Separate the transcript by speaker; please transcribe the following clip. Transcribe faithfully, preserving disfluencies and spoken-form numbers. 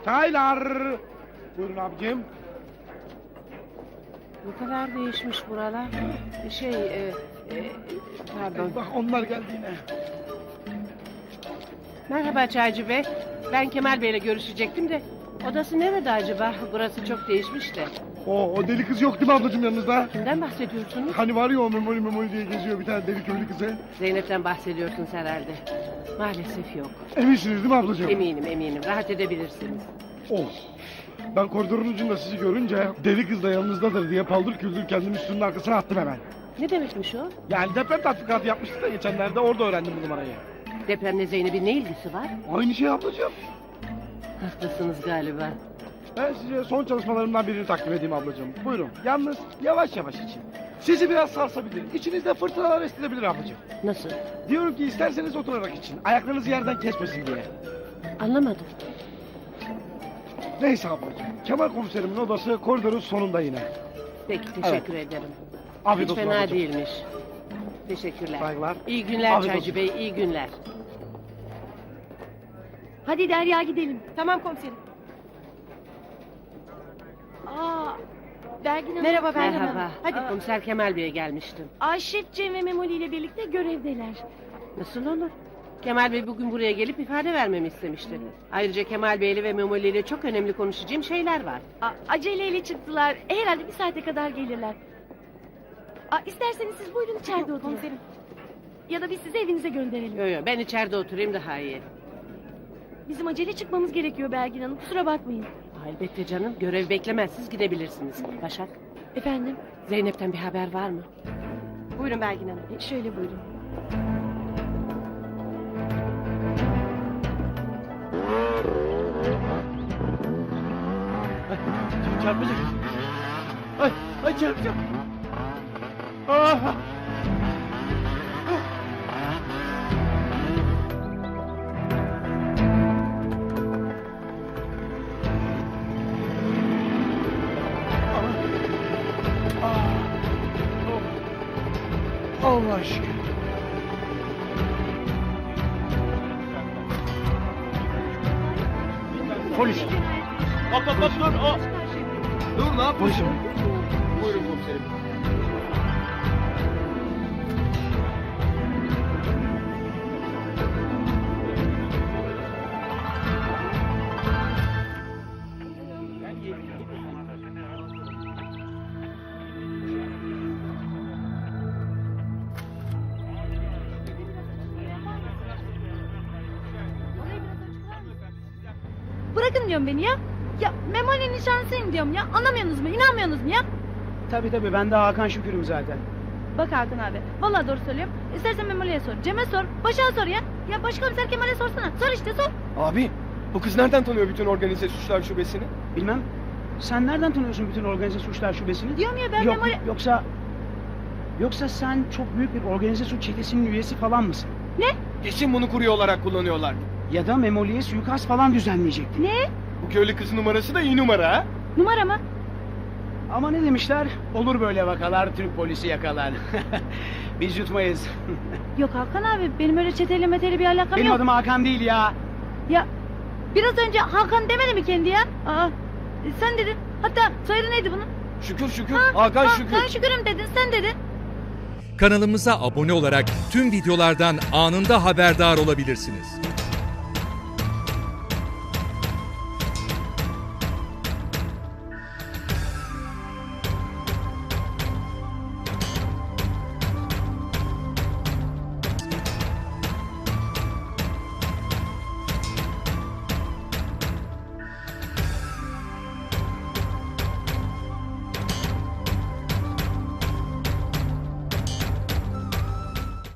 Speaker 1: Taylar. Buyurun abicim.
Speaker 2: Ne kadar değişmiş buralar. Şey, e, e, pardon.
Speaker 1: Bak onlar geldi yine.
Speaker 2: Merhaba Çaycı Bey. Ben Kemal Bey'le görüşecektim de. Odası nerede acaba? Burası çok değişmiş de.
Speaker 1: O, o deli kız yok değil mi ablacığım yanınızda?
Speaker 2: Kimden bahsediyorsunuz?
Speaker 1: Hani var ya o memoli memoli diye geziyor bir tane deli köylü kızı.
Speaker 2: Zeynep'ten bahsediyorsunuz herhalde. Maalesef yok.
Speaker 1: Eminsiniz değil mi ablacığım?
Speaker 2: Eminim eminim. Rahat edebilirsiniz.
Speaker 1: Oh. Ben koridorun ucunda sizi görünce deli kız da yanınızdadır diye paldır küldür kendimi üstünün arkasına attım hemen.
Speaker 2: Ne demekmiş o?
Speaker 1: Yani deprem tatbikatı yapmıştık da geçenlerde orada öğrendim bu numarayı.
Speaker 2: Depremle Zeynep'in ne ilgisi var?
Speaker 1: Aynı şey ablacığım.
Speaker 2: Haklısınız galiba.
Speaker 1: Ben size son çalışmalarımdan birini takdim edeyim ablacığım. Buyurun. Yalnız yavaş yavaş için. Sizi biraz sarsabilir. İçinizde fırtınalar estirebilir ablacığım.
Speaker 2: Nasıl?
Speaker 1: Diyorum ki isterseniz oturarak için. Ayaklarınızı yerden kesmesin diye.
Speaker 2: Anlamadım.
Speaker 1: Neyse ablacığım. Kemal komiserimin odası koridorun sonunda yine.
Speaker 2: Peki teşekkür ederim.
Speaker 1: Afiyet
Speaker 2: Hiç
Speaker 1: olsun
Speaker 2: fena
Speaker 1: ablacığım.
Speaker 2: değilmiş. Teşekkürler.
Speaker 1: Saygılar.
Speaker 2: İyi günler
Speaker 1: Afiyet
Speaker 2: Çaycı
Speaker 1: olsun.
Speaker 2: Bey, iyi günler.
Speaker 3: Hadi Derya gidelim.
Speaker 4: Tamam komiserim.
Speaker 3: Aa, Belgin Hanım.
Speaker 4: Merhaba ben
Speaker 2: Merhaba.
Speaker 4: Hadi.
Speaker 3: Aa.
Speaker 2: Komiser Kemal Bey'e gelmiştim.
Speaker 3: Ayşef, Cem ve Memoli ile birlikte görevdeler.
Speaker 2: Nasıl olur? Kemal Bey bugün buraya gelip ifade vermemi istemişti. Ayrıca Kemal Bey'le ve Memoli ile çok önemli konuşacağım şeyler var.
Speaker 3: Aa, aceleyle çıktılar. Herhalde bir saate kadar gelirler. Aa, isterseniz siz buyurun içeride oturun.
Speaker 4: Komiserim.
Speaker 3: Ya da biz sizi evinize gönderelim.
Speaker 2: Yo yo ben içeride oturayım daha iyi.
Speaker 3: Bizim acele çıkmamız gerekiyor Belgin Hanım. Kusura bakmayın.
Speaker 2: Aa, elbette canım. Görev beklemez. Siz gidebilirsiniz. Başak,
Speaker 3: Efendim,
Speaker 2: Zeynep'ten bir haber var mı?
Speaker 4: Buyurun Belgin Hanım.
Speaker 3: e, şöyle buyurun.
Speaker 1: Çarpacak. Ay, ay çarpacak. Ah! Allah aşkına. Polis.
Speaker 5: Hop hop hop dur. O. Dur ne yapıyorsun?
Speaker 1: Polisim.
Speaker 5: Buyurun komiserim.
Speaker 3: Bırakın diyorum beni ya. Ya Memoli'nin nişanlısıyım diyorum ya. Anlamıyorsunuz mu? İnanmıyorsunuz mu ya?
Speaker 6: Tabii tabii ben de Hakan Şükür'üm zaten.
Speaker 3: Bak Hakan abi. Vallahi doğru söylüyorum. İstersen Memoli'ye sor. Cem'e sor. Başak'a sor ya. Ya başkomiser Kemal'e sorsana. Sor işte sor.
Speaker 5: Abi bu kız nereden tanıyor bütün organize suçlar şubesini?
Speaker 6: Bilmem. Sen nereden tanıyorsun bütün organize suçlar şubesini?
Speaker 3: Diyorum ya ben
Speaker 6: Yok,
Speaker 3: Memoli...
Speaker 6: Yoksa... Yoksa sen çok büyük bir organize suç çetesinin üyesi falan mısın?
Speaker 5: Kesin bunu kurye olarak kullanıyorlar.
Speaker 6: Ya da Memoli'ye suikast falan düzenleyecektin.
Speaker 3: Ne?
Speaker 5: Bu köylü kız numarası da iyi numara ha?
Speaker 3: Numara mı?
Speaker 6: Ama ne demişler? Olur böyle vakalar Türk polisi yakalar. Biz yutmayız.
Speaker 3: Yok Hakan abi. Benim öyle çeteyle meteli bir alakam
Speaker 6: Benim
Speaker 3: yok.
Speaker 6: adım Hakan değil ya.
Speaker 3: Ya biraz önce Hakan demedi mi kendi ya? Aa, e, sen dedin. Hatta soyadı neydi bunun?
Speaker 5: Şükür şükür.
Speaker 3: Ha,
Speaker 5: Hakan
Speaker 3: ha,
Speaker 5: şükür.
Speaker 3: Ben şükürüm dedin. Sen dedin.
Speaker 7: Kanalımıza abone olarak tüm videolardan anında haberdar olabilirsiniz.